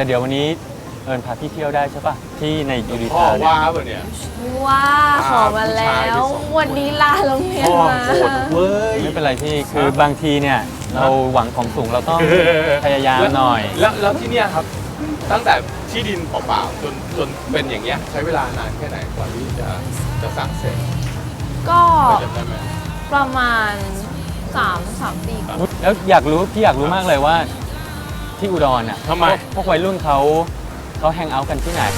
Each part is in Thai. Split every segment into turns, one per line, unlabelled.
แต่เดี๋ยววันนี้เอิญพาพี่เที่ยวได้ใช่ปะที่ในยูริ
พ่อ
ทาเนี่ย
ว่าป่ะเนี่ย
ว่าขอมาแล้ว วันนี้ลาโรงเรียน
พ่อ
มา
โหดเว้ย
ไม่เป็นไรพี่คือบางทีเนี่ยเราหวังของสูงเราต้องพยายามหน่อย
แล้วที่เนี่ยครับ ตั้งแต่ที่ดินเปล่าๆจนเป็นอย่างเงี้ยใช้เวลานานแค่ไหนกว่าที่จะสร้างเสร็จ
ก็
จำได้ไหม
ประมาณ3 ปีก่อน
แล้วพี่อยากรู้มากเลยว่าที่อุดรอ่ะ
ทำไม
พวกวัยรุ่นเขาแฮงเอาท์กันที่ไหน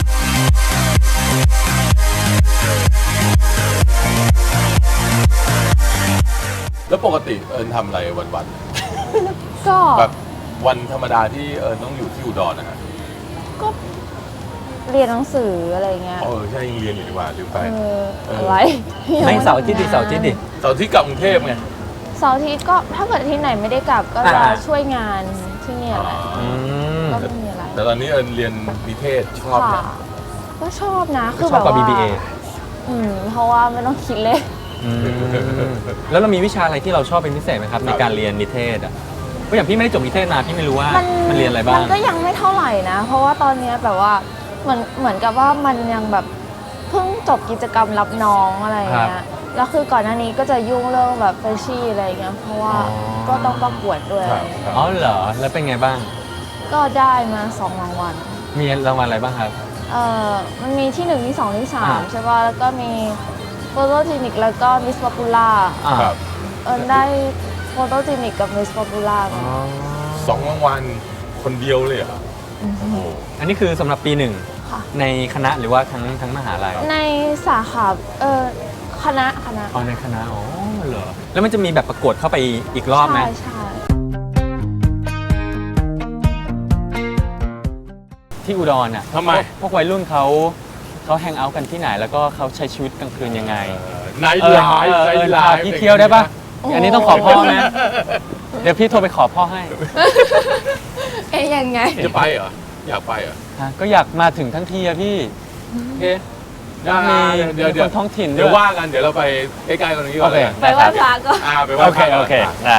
แล้วปกติเอิญทำอะไรวัน
ก็
ๆแบบวันธรรมดาที่เอิญต้องอยู่ที่อุดรนะฮะ
ก็เรียนหนังสืออะไรเงี้ย
ใช่ยังเรียนอยู่ดีกว่าลืมไป
อะไร
ไม่เสาร์อาทิตย์ดิ
เสาร์ที่กลับกรุงเทพไง
เสาร์อาทิตย์ก็ถ้าเกิดที่ไหนไม่ได้กลับก็จะ
อ่า
ช่วยงานที่เนี่ยแหละ
ม
ก็ไม่มีอะไร
แต่ตอนนี้เอิญเรียนนิเทศชอบ
ค่ะ
นะ
ก็ชอบนะคือ
ช
แบ
อบบ กว่า
ว่า
BBA
เพราะว่าไม่ต้องคิดเลย
แล้วเรามีวิชาอะไรที่เราชอบเป็นพิเศษไหมครับในการเรียนนิเทศอ่ะเพราะอย่างพี่ไม่ได้จบนิเทศมาพี่ไม่รู้ว่ามันเรียนอะไรบ้าง
มันก็ยังไม่เท่าไหร่นะ เพราะว่าตอนเนี้ยแบบว่าเหมือนกับว่ามันยังแบบเพิ่งจบกิจกรรมรับน้องอะไรอย่างเงี้ยแล้วคือก่อนหน้านี้ก็จะยุ่งเรื่องแบบเฟรชชี่อะไรอย่างเงี้ยเพราะว่าก็ต้องประกวดด้วย
ครับ
อ๋อเหรอแล้วเป็นไงบ้าง
ก็ได้มา2 รางวัล
มีรางวัลอะไรบ้างครับ
มันมีที่1ที่2ที่
อ่า
3ใช่ป่ะแล้วก็มีโฟโตจินิกแล้วก็มิสป๊อปปูล่า
ครับ
ได้โฟโตจินิกกับมิสป๊อปปูล่า
2 รางวัลคนเดียวเลยเหรอโอ้โห
อันนี้คือสำหรับปีหนึ่ง
ค่ะ
ในคณะหรือว่าทั้งมหาลัย
ในสาขาคณะ
อ๋อในคณะอ๋อเหรอแล้วมันจะมีแบบประกวดเข้าไปอีกรอบไหม
ใช่
ที่อุดรอ่ะ
ทำไม
พวกวัยรุ่นเขาแฮงเอาท์กันที่ไหนแล้วก็เขาใช้ชีวิตกลางคืนยังไง
ไนท์ไลฟ์
พาพี่เที่ยวได้ปะอันนี้ต้องขอพ่อไหมเดี๋ยวพี่โทรไปขอพ่อให้
ยังไง
จะไปเหรอ อยากไปเหรอ
ฮะก็อยากมาถึงทั้งทีอะพี่
โอเคได้
มีคนท้องถิ่นด้วย
เดี๋ยวว่ากันเดี๋ยวเราไปใกล้ๆกันตรงนี้ก่อนเลย
ไปไหว้พระก็
ไปไหว้
โอ
พ
เค
ระก่น
โอเคได้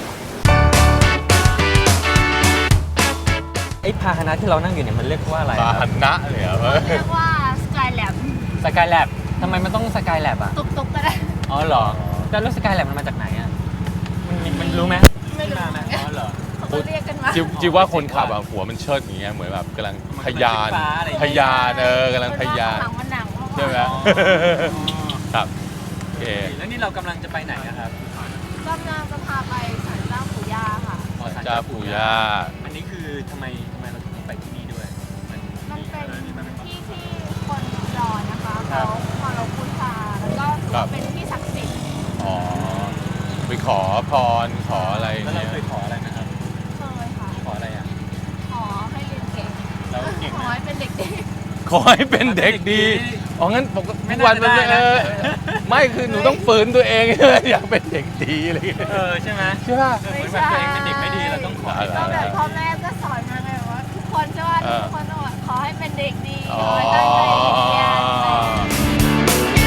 ไอ้พาหนะที่เรานั่งอยู่เนี่ยมันเรียกว่าอะไร
พาหนะเลยเหรอ
เรียกว่าสกายแลบ
สกายแลบทำไมมันต้องสกายแลบอ่ะ
ตุกๆก็ได้
อ๋อเหรอแล้วสกายแลบมันมาจากไหนอ่ะมันรู้ไหม
ไม่รู้
ที่าไหมอ๋อเหรอ
เขาก็เรียกกันมา
จิวว่าคนขับอะหัวมันเชิดอย่างเงี้ยเหมือนแบบกำลังทะยาน
มันเป็นไฟฟ้าอะไรอย่าง
ทะ
เงี้ย
ยานกำลังทะยาน
หลังมันหนัง
ใช่ไหมครับโอเค
แล้วนี่เรากำลังจะไปไหนนะครับ
กำลังจะพาไปศาลเจ้าปู่ย่าค่ะ
เจ้าปู่ย่า
อันนี้คือทำไมเราถึงต้องไปที่นี่ด้วย
มันเป็นที่ที่คนรอนะคะ
ครั
เขา
บ
เคารพบูชาแล้วก็ถือว่าเป็นที่ศักดิ์สิทธิ์
อ๋อไปขอพรขออะไร
แล้วเรา
เนี่ย
เคยขออะไรนะครับ
เคยค่ะ
ขออะไรอ่ะ
ขอให้เรียนเก่ง
แล้วเก่ง
ขอ
ไหม
ให้เป็นเด็กดี
ขอให้เป็นเด็กดีอ๋องั้นปกติ
ไม่
ทุกวัน
น่าจะได้นะ
ไม่คือหนูต้องฝืนตัวเอง อยากเป็นเด็กดีอะไรอย่างเงี้ย
ใช่ไหม
ใช่ป่ะ
เหมือนแบบตัวเองเป็นเด็กไม่ดีเราต้องขอให้
ก็
ได้
แบบพ่อแม่ก็สอนมาไงว่าทุกคนใช่ป่ะ
เออ
ทุกคนต้องแบบขอให้เป็นเด็กดี
อ๋
ข
อ
อให้ตั้งใจเรียนอะไรอย่างเงี้ย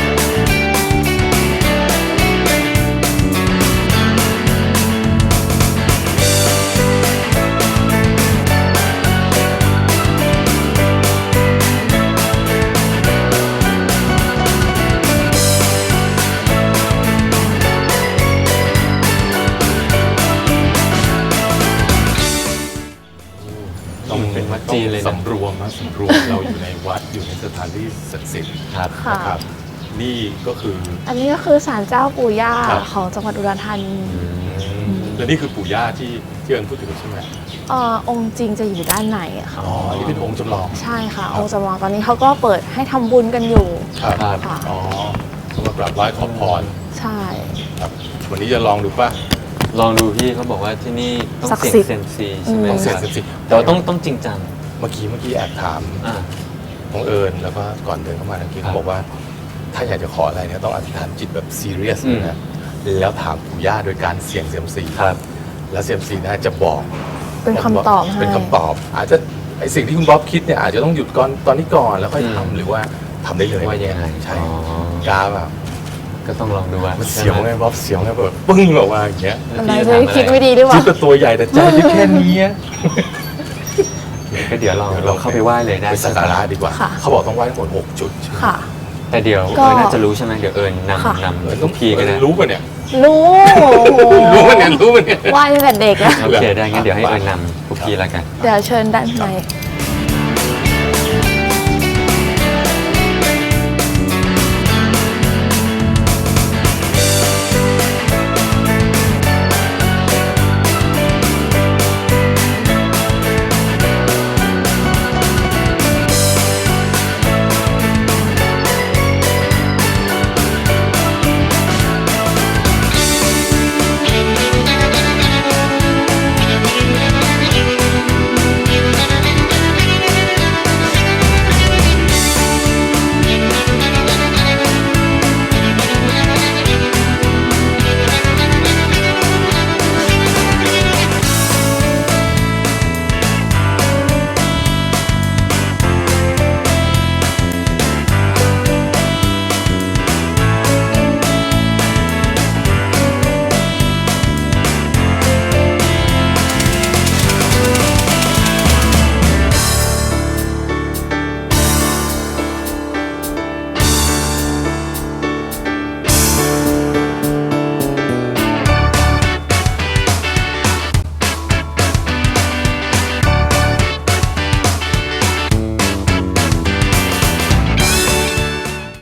ต้องเป็นวัดจีนเลยนะ
สำรวมนะสำรวมเราอยู่ในวัดอยู่ในสถานที่ศักดิ์สิทธิ์
ครับ
ค่ะ
นะครับ นี่ก็คือ
อันนี้ก็คือศาลเจ้าปู่ย่า
ครับ
ของจังหวัดอุดรธานี
และนี่คือปู่ย่าที่เอิญพูดถึงใช่ไหม
องค์จริงจะอยู่ด้านในอะค่ะ
อ๋ออันนี้เป็นองค์จำลอง
ใช่ค่ะ องค์จำลองตอนนี้เขาก็เปิดให้ทำบุญกันอยู่
ครับ
ค่ะ
อ๋อสำหรับกราบไหว้ขอพร
ใช่
ครับวันนี้จะลองดูป่ะ
ลองดูพี่เขาบอกว่าที่นี่ต้อง
ศักดิ์
เสี่ยง
สิทธิ์
เซยมซีใช่ไหม
ต้องเสีย
ครับ
สิ
แต่ว่าต้องจริงจัง
เมื่อกี้แอบถาม
อ่า
น้องเอิญแล้วก็ก่อนเดินเข้ามาเมื่อกี้
ครับ
เขาบอกว่า ถ้าอยากจะขออะไรเนี่ยต้องอธิษฐานจิตแบบซีเรียส
อืม
นะแล้วถามปู่ย่าโดยการเสี่ยงเซียมซี
ครับ
แล้วเซียมซีน่าจะบอก
เป็นคำตอบให้
เป็นคำตอบ อาจจะไอสิ่งที่คุณบ๊อบคิดเนี่ยอาจจะต้องหยุดก่อนตอนนี้ก่อนแล้วค่อยทำหรือว่าทำได้เลย
ว่ายังไง
ใช่
อ๋อ
กล้าแบบ
ก็ต้องลองดูว่า
มันเสียวไงบ๊อบเสียวไงแบบปึ้งออกมาอย่างเงี้ย
อะไรจะคิดไม่ดีหรือเป
คิ
ล่า
ดแต่ตัวใหญ่แต่ใจที่แค่นี้อะ
ก็เดี๋ยวเราเข้าไปไหว้เลยได้
ไปสักการะดีกว่า
ค่ะ
เขาบอกต้องไหว้ทั้งหมด6 จุดใช่ไหม
ค่ะ
แต่เดี๋ยว
ก็
น่าจะรู้ใช่ไหมเดี๋ยวน
ค่ะ
ำทุกทีก็ได้
รู้ป่ะเนี่ย
รู้
รู้ป่ะเนี่ยรู้ป่ะเนี่ย
ไหว้ตั้งแต่เด็กแล้ว
โอเคได้งั้นเดี๋ยวให้นำทุกทีแล้วกัน
เดี๋ยวเชิญด้านใน